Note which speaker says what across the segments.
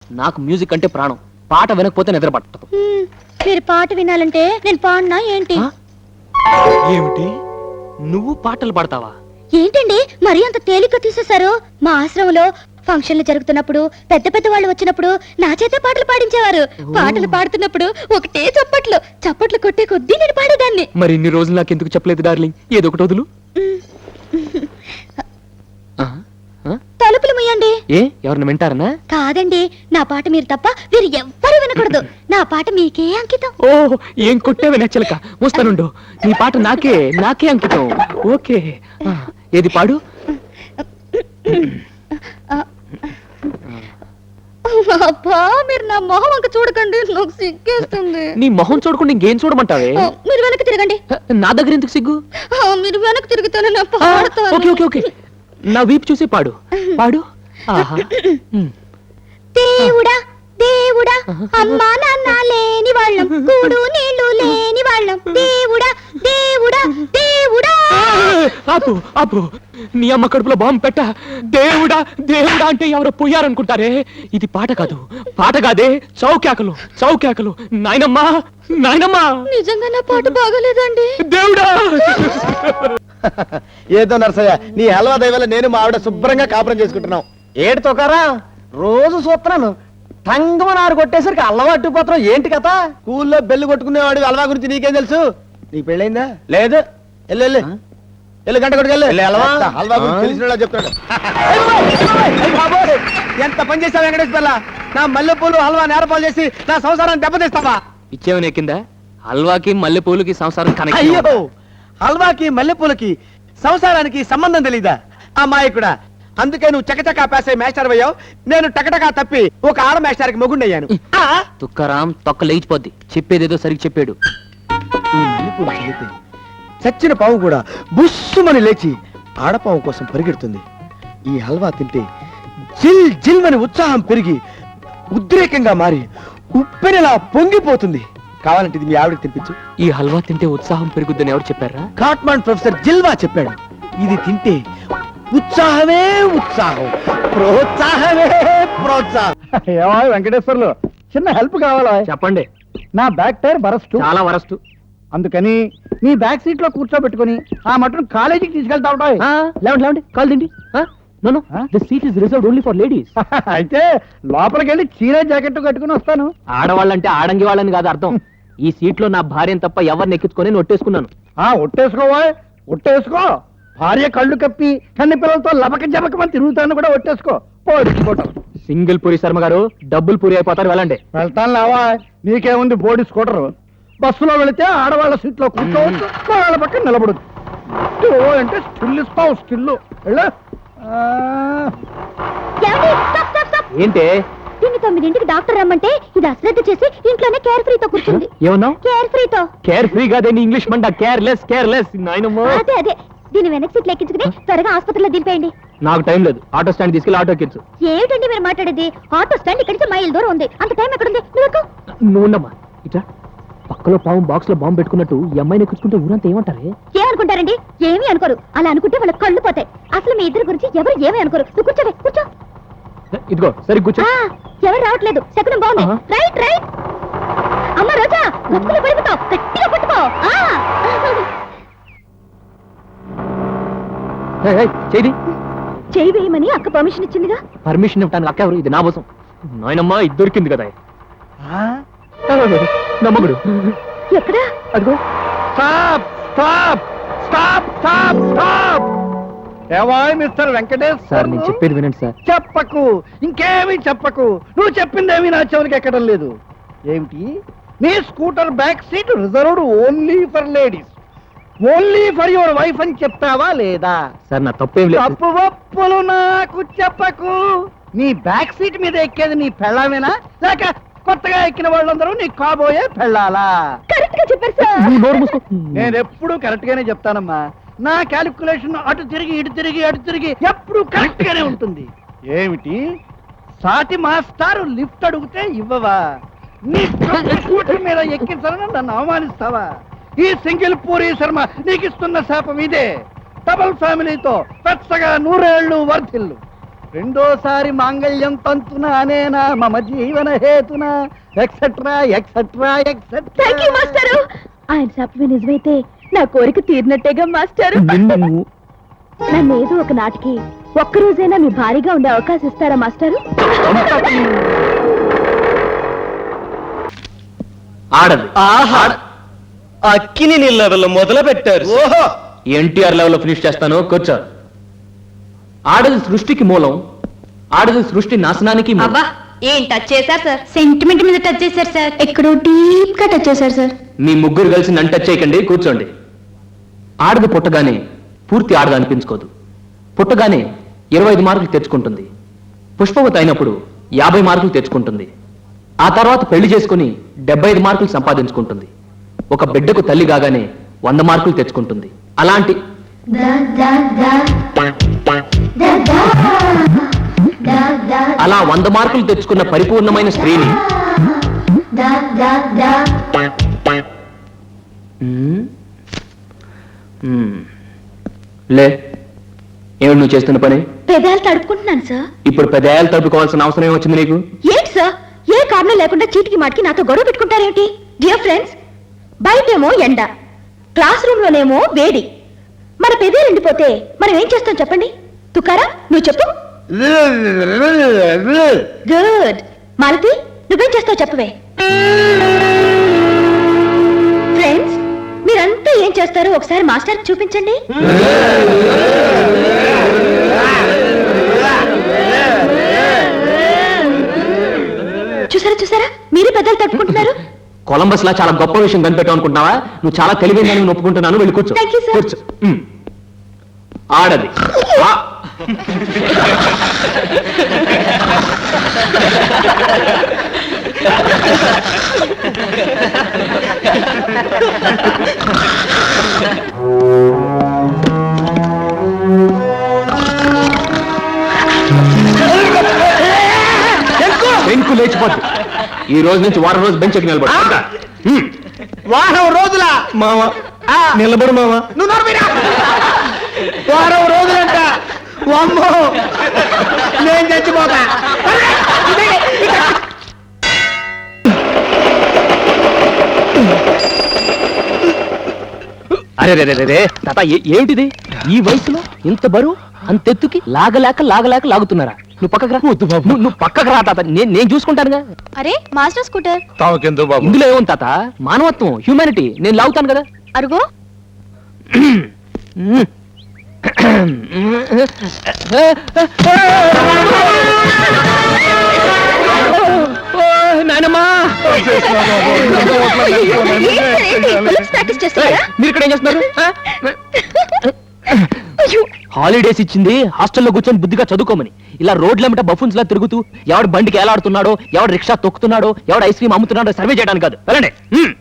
Speaker 1: నాకు మ్యూజిక్ అంటే ప్రాణం. పాట వినకపోతే నిద్ర పట్టదు.
Speaker 2: మీరు పాట వినాలంటే నేను పాడినా ఏంటి?
Speaker 1: ఏమిటి, నువ్వు పాటలు పాడతావా?
Speaker 2: ఏంటండి మరీ అంత తేలిక తీసేశారు? మా ఆశ్రమంలో ఫంక్షన్లు జరుగుతున్నప్పుడు పెద్ద పెద్ద వాళ్ళు వచ్చినప్పుడు నా చేతే పాటలు పాడించేవారు. పాటలు పాడుతున్నప్పుడు ఒకటే చప్పట్లు కొట్టే కొద్దీ నేను పాడేదాన్ని.
Speaker 1: మరి ఇన్ని రోజులు నాకు ఎందుకు చెప్పలేదు డార్లింగ్? ఏదో ఒకటి వదులు.
Speaker 2: తలుపులు ముయ్యండి.
Speaker 1: ఏ ఎవరిని వింటారనా?
Speaker 2: కాదండి, నా పాట మీరు తప్ప వీరు ఎవ్వరూ వినకూడదు. నా పాట మీకే అంకితం.
Speaker 1: ఓ ఏం కొట్టేవి నచ్చలక. వస్తానుండు, నీ పాట నాకే అంకితం. ఓకే, ఏది పాడు.
Speaker 2: అబ్బా, మీరు నా మొహం అంక చూడకండి, నాకు సిగ్గేస్తుంది.
Speaker 1: నీ మొహం చూడకుండా ఇంకేం చూడమంటావే?
Speaker 2: మీరు వెనక్కి తిరగండి.
Speaker 1: నా దగ్గర ఎందుకు సిగ్గు?
Speaker 2: మీరు వెనక్కి తిరుగుతాను నా పాడతాను.
Speaker 1: ఓకే ఓకే ఓకే, నా వీపు చూసి పాడు పాడు. ఆహా.
Speaker 2: దేవుడా దేవుడా, అమ్మా నాన్న లేని వాళ్ళం, కూడు నీళ్లు లేని వాళ్ళం, దేవుడా దేవుడా దేవుడా.
Speaker 1: ఆపు ఆపు, నీ అమ్మ కడుపులో బాంబు పెట్ట. దేవుడా దేవుడా అంటే ఎవరో పోయారనుకుంటారే. ఇది పాట కాదు, పాట కాదే, చౌకేకలు చౌకేకలు. నాయనమ్మా నాయనమ్మా.
Speaker 2: నిజంగా నా పాట బాగలేదండి.
Speaker 1: దేవుడా.
Speaker 3: ఏదో నరసయ్య, నీ హల్వా దయవల్ల నేను మా ఆవిడ శుభ్రంగా కాపురం చేసుకుంటున్నాం. ఏడు తోకారా, రోజు చూస్తున్నాను టంగమనారు కొట్టేసరికి అలవాటు పోతున్నాం. ఏంటి కథ? స్కూల్లో బెల్లు కొట్టుకునేవాడు హల్వా గురించి నీకేం తెలుసు? నీకు పెళ్ళైందా? లేదు. వెళ్ళు వెళ్ళు వెళ్ళు, గంట కొట్టుకెళ్ళు. హల్వా గురించి తెలిసిన చెప్తాడు. ఎంత పని చేస్తావు వెంకటేష్ పిల్ల? నా మల్లెపూలు హల్వా నేరపాలు చేసి నా సంసారాన్ని దెబ్బతీస్తావా?
Speaker 1: ఇచ్చేవనే కింద హల్వాకి మల్లెపూలకి సంసారం కనెక్ట్.
Speaker 3: అయ్యో, హల్వాకి మల్లెపూలకి సంసారానికి సంబంధం తెలీదా అమ్మాయికుడా? అందుకే నువ్వు చకచకా పేసే మేస్టర్ అయ్యావు, నేను టకటకా తప్పి ఒక ఆడ మేస్టర్కి మొగుండయ్యాను.
Speaker 1: తుక్కరాం తొక్క లేచిపోద్ది. చెప్పేదేదో సరిగ్గా చెప్పాడు.
Speaker 3: చచ్చిన పాము కూడా బుస్సుమని లేచి ఆడపాము కోసం పరిగెడుతుంది. ఈ హల్వా తింటే జిల్ జిల్ అని ఉత్సాహం పెరిగి ఉద్రేకంగా మారి ఉప్పెనలా పొంగిపోతుంది. కావాలంటే ఇది మీ ఆవిడకి తినిపించు.
Speaker 1: ఈ హల్వా తింటే ఉత్సాహం పెరుగుద్దని ఎవరు చెప్పారా?
Speaker 3: కాట్మాండ్ ప్రొఫెసర్ జిల్వా చెప్పాడు. ఇది తింటే ఉత్సాహమే ఉత్సాహం, ప్రోత్సాహమే ప్రోత్సాహం.
Speaker 4: ఏమో వెంకటేశ్వర్లు, చిన్న హెల్ప్ కావాలా?
Speaker 1: చెప్పండి.
Speaker 4: నా బ్యాక్ టైర్ బరస్ట్,
Speaker 1: చాలా వరస్ట్.
Speaker 4: అందుకని నీ బ్యాక్ సీట్ లో కూర్చోబెట్టుకుని ఆ మటన్ కాలేజీకి తీసుకెళ్తా ఉంటాయి.
Speaker 1: లేవండి లేవండి, కాల్ తిండి. No the seat is reserved only for ladies.
Speaker 4: అయితే లోపలికి వెళ్ళి చీర జాకెట్ కట్టుకుని వస్తాను.
Speaker 1: ఆడవాళ్ళంటే ఆడంగి వాళ్ళని కాదు అర్థం. ఈ సీట్ లో నా భార్యను తప్ప ఎవరిని ఎక్కించుకొని ఒట్టేసుకున్నాను.
Speaker 4: ఒట్టేసుకోవా, ఒట్టేసుకో. భార్య కళ్ళు కప్పి కన్ని పిల్లలతో లబక జబకమని తిరుగుతాను కూడా ఒట్టేసుకో. పోటీ
Speaker 1: సింగిల్ పూరి శర్మ గారు, డబ్బులు పూరి అయిపోతారు. వెళ్ళండి.
Speaker 4: వెళ్తాను లేవా, నీకేముంది బోడి స్కూటర్. బస్సులో వెళితే ఆడవాళ్ళ సీట్లో కూర్చోవచ్చు, వాళ్ళ పక్కన నిలబడదు. అంటే స్టిల్ ఇస్తావు, స్టిల్.
Speaker 1: ఏంటే?
Speaker 2: దీన్ని 9ంటికి డాక్టర్ రమ్మంటే ఇది అశ్రద్ధ చేసి ఇంట్లోనే కేర్ ఫ్రీతో కూర్చుంది.
Speaker 1: ఏమన్నావు?
Speaker 2: కేర్ ఫ్రీతో.
Speaker 1: కేర్ ఫ్రీ కాదే, నీ ఇంగ్లీష్ మంట. Careless careless.
Speaker 2: అదే అదే, దీని వెనక్కి సీట్లు ఎక్కించుకుని త్వరగా ఆసుపత్రిలో దింపేయండి.
Speaker 1: నాకు టైం లేదు, ఆటో స్టాండ్ తీసుకెళ్ళి ఆటో ఎక్కించు.
Speaker 2: ఏమిటండి మీరు మాట్లాడేది? ఆటో స్టాండ్ ఇక్కడి నుంచి మైల్ దూరం ఉంది, అంత టైం ఎక్కడుంది?
Speaker 1: నువ్వు ఉండమ్మా. ఇట్లా పక్కలో పాము బాక్స్ లో బాంబు పెట్టుకున్నట్టు ఈ అమ్మాయిని ఎక్కించుకుంటే ఊరంతా ఏమంటారే?
Speaker 2: ఏమనుకుంటారండి? ఏమీ అనుకోరు. అలా అనుకుంటే వాళ్ళ కళ్ళు పోతాయి. అసలు మీ ఇద్దరి గురించి ఎవరు ఏమీ అనుకోరు. నువ్వు కూర్చోవే, కూర్చో.
Speaker 1: ఇదిగో సరి కూర్చో.
Speaker 2: ఎవరు రావట్లేదు, శకునం బాగుంది. Right right. అమ్మ రోజా, గతుకులు పడిపోతావు, గట్టిగా పట్టుకో.
Speaker 1: చేయి
Speaker 2: చేయి వేయమని అక్క పర్మిషన్ ఇచ్చిందిగా.
Speaker 1: పర్మిషన్ ఇవ్వడానికి అక్క ఎవరు? ఇది నా కోసం. నాయనమ్మా, ఇది దొరికింది కదా నమ్మగుడు.
Speaker 2: ఎక్కడా?
Speaker 1: అదిగో.
Speaker 4: Stop stop stop stop stop. ఏవాయ్ మిస్టర్ వెంకటేష్
Speaker 1: సార్, నేను చెప్పేది వినండి సార్.
Speaker 4: చెప్పకు, ఇంకేమీ చెప్పకు. నువ్వు చెప్పిందేమీ నా చెవులకి ఎక్కడం లేదు. ఏమిటి? నీ scooter back seat reserved only for ladies, only for your wife అని చెప్తావా లేదా?
Speaker 1: సార్, నా తప్పేం లేదు.
Speaker 4: తప్పు ఒప్పులు నాకు చెప్పకు. నీ బ్యాక్ సీట్ మీద ఎక్కేది నీ పెళ్ళామేనా, లేక కొత్తగా ఎక్కిన వాళ్ళందరూ నీ కాబోయే పెళ్ళాలా?
Speaker 2: కరెక్ట్ గా చెప్పారు సార్.
Speaker 4: నేను ఎప్పుడు కరెక్ట్ గానే చెప్తానమ్మా. నా క్యాలిక్యులేషన్ అటు తిరిగి ఇటు తిరిగి అటు తిరిగి ఎప్పుడు కరెక్ట్ గానే ఉంటుంది. ఏమిటి? సాటి మాస్టారు లిఫ్ట్ అడిగితే ఇవ్వవా? నీ స్కూటర్ మీద ఎక్కించాలని నన్ను అవమానిస్తావా? ఈ సింగిల్ పూరి శర్మ నీకిస్తున్న శాపం ఇదే. డబుల్ ఫ్యామిలీతో పెద్దగా 100 ఏళ్ళు వర్ధిల్లు. రెండోసారి మాంగళ్యం తంతున అనేనా మమ జీవన హేతున ఎక్సెట్రా ఎక్సెట్రా
Speaker 2: థ్యాంక్ యూ మాస్టారు. ఆయన చెప్పిన నిజమైతే నా కోరిక తీరినట్టేగా మాస్టారు. నన్ను ఏదో ఒక నాటికి ఒక్కరోజైనా మీ భారీగా ఉండే అవకాశం ఇస్తారా మాస్టారు?
Speaker 1: ఆడది
Speaker 3: అక్కిని నీ లెవెల్ మొదలు పెట్టారు. ఓహో,
Speaker 1: ఎన్టీఆర్ లెవెల్లో ఫినిష్ చేస్తాను, కూర్చో. ఆడది సృష్టికి మూలం, ఆడది సృష్టి నాశనానికి మూలం.
Speaker 2: అబ్బా ఏం టచ్ చేశారు సార్, సెంటిమెంట్ మీద టచ్ చేశారు సార్, ఎక్కడో డీప్ గా టచ్ చేశారు సార్.
Speaker 1: మీ ముగ్గురు కలిసి నన్ను టచ్ చేయకండి, కూర్చోండి. ఆడది పుట్టగానే పూర్తి ఆడది అనిపించుకోదు. పుట్టగానే 25 మార్కులు తెచ్చుకుంటుంది. పుష్పవతి అయినప్పుడు 50 మార్కులు తెచ్చుకుంటుంది. ఆ తర్వాత పెళ్లి చేసుకుని 75 మార్కులు సంపాదించుకుంటుంది. ఒక బిడ్డకు తల్లి కాగానే 100 మార్కులు తెచ్చుకుంటుంది. అలాంటి అలా 100 మార్కులు తెచ్చుకున్న పరిపూర్ణమైన స్త్రీని లే, ఏమిటి నువ్వు చేస్తున్న పని?
Speaker 2: పెదాలు తడుపుకుంటున్నాను సార్.
Speaker 1: ఇప్పుడు పెదాయాలు తడుపుకోవాల్సిన అవసరం ఏమొచ్చింది నీకు?
Speaker 2: ఏంటి సార్, ఏ కారణం లేకుండా చీటికి మాటికి నాతో గొడవ పెట్టుకుంటారేంటి? డియర్ ఫ్రెండ్స్, బయటేమో ఎండ, క్లాస్ రూమ్ లోనేమో వేడి. మన పెదే ఎండిపోతే మనం ఏం చేస్తాం చెప్పండి? తుకారా నువ్వు చెప్పు. గుడ్. మాలతి నువ్వేం చేస్తావు చెప్పవే. ఫ్రెండ్స్, మీరంతా ఏం చేస్తారో ఒకసారి మాస్టర్ చూపించండి. చూసారా చూసారా, మీరే పెద్దలు తట్టుకుంటున్నారు.
Speaker 1: కొలంబస్ లా చాలా గొప్ప విషయం కనిపెట్టావు అనుకుంటున్నావా? నువ్వు చాలా తెలివైన ఒప్పుకుంటున్నాను, వెళ్ళి కూర్చో.
Speaker 2: Thank you, sir.
Speaker 1: కూర్చో. ఆడది బెంకు లేచిపోద్ది. ఈ రోజు నుంచి వారం రోజు బెంచ్ ఎక్కి నిలబడు.
Speaker 3: వారం రోజుల
Speaker 1: మావా నిలబడు మావా.
Speaker 3: నువ్వు నోర్మీరా? వారం రోజులంట. అమ్మో, నేను చచ్చిపోతా.
Speaker 1: అరే రే రే రే తాత, ఏమిటిది? ఈ వయసులో ఇంత బరువు అంతెత్తుకి లాగలేక లాగలేక లాగుతున్నారా? నువ్వు పక్కకు రా. నువ్వు పక్కకు రా తాత, నేను చూసుకుంటానుగా.
Speaker 2: అరే మాస్టర్ స్కూటర్
Speaker 1: ఇందులో ఏముంది తాత? మానవత్వం, హ్యూమానిటీ. నేను లాగుతాను కదా.
Speaker 2: అరుగో.
Speaker 1: నాయనమ్మా,
Speaker 2: ప్రాక్టీస్ చేస్తారా?
Speaker 1: మీరు ఇక్కడ ఏం చేస్తున్నారు? హాలిడేస్ ఇచ్చింది హాస్టల్లో కూర్చొని బుద్ధిగా చదువుకోమని. ఇలా రోడ్లెంబట బఫున్స్ లా తిరుగుతూ ఎవడు బండికి ఏలాడుతున్నాడో, ఎవడు రిక్షా తొక్కుతున్నాడో, ఎవడు ఐస్ క్రీమ్ అమ్ముతున్నాడో సర్వే చేయడానికి కాదు. వెళ్ళండి.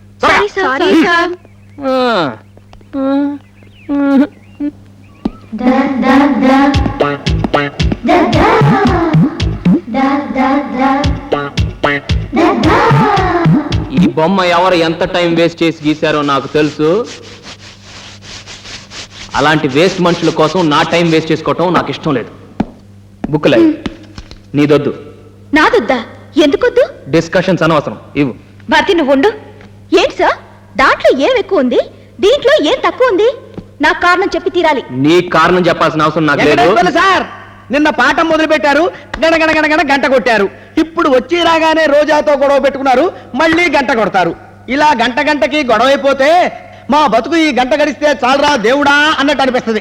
Speaker 1: ఈ బొమ్మ ఎవరు ఎంత టైం వేస్ట్ చేసి గీశారో నాకు తెలుసు. అలాంటి వేస్ట్ మనుషుల కోసం నా టైం వేస్ట్ చేసుకోవటం నాకు ఇష్టం లేదు. బుక్లై నీదొద్దు.
Speaker 2: నాదొద్దా? ఎందుకొద్దు?
Speaker 1: డిస్కషన్స్ అనవసరం, ఇవ్వు.
Speaker 2: భారతి నువ్వు ఉండు. ఏంటి సార్, దాంట్లో ఏం ఎక్కువ ఉంది, దీంట్లో ఏం తక్కువ ఉంది? నాకు కారణం చెప్పి తీరాలి.
Speaker 1: నీ కారణం చెప్పాల్సిన అవసరం నాకు లేదు.
Speaker 3: సార్, నిన్న పాఠం మొదలు పెట్టారు, గణగణ గంట కొట్టారు. ఇప్పుడు వచ్చి రాగానే రోజాతో గొడవ పెట్టుకున్నారు, మళ్ళీ గంట కొడతారు. ఇలా గంట గంటకి గొడవ అయిపోతే మా బతుకు ఈ గంట గడిస్తే చాలరా దేవుడా అన్నట్టు అనిపిస్తుంది.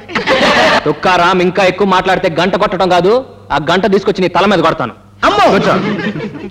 Speaker 1: తుక్కారాం, ఇంకా ఎక్కువ మాట్లాడితే గంట కొట్టడం కాదు, ఆ గంట తీసుకొచ్చి నీ తల మీద కొడతాను.
Speaker 3: అమ్మో,
Speaker 1: కూర్చో.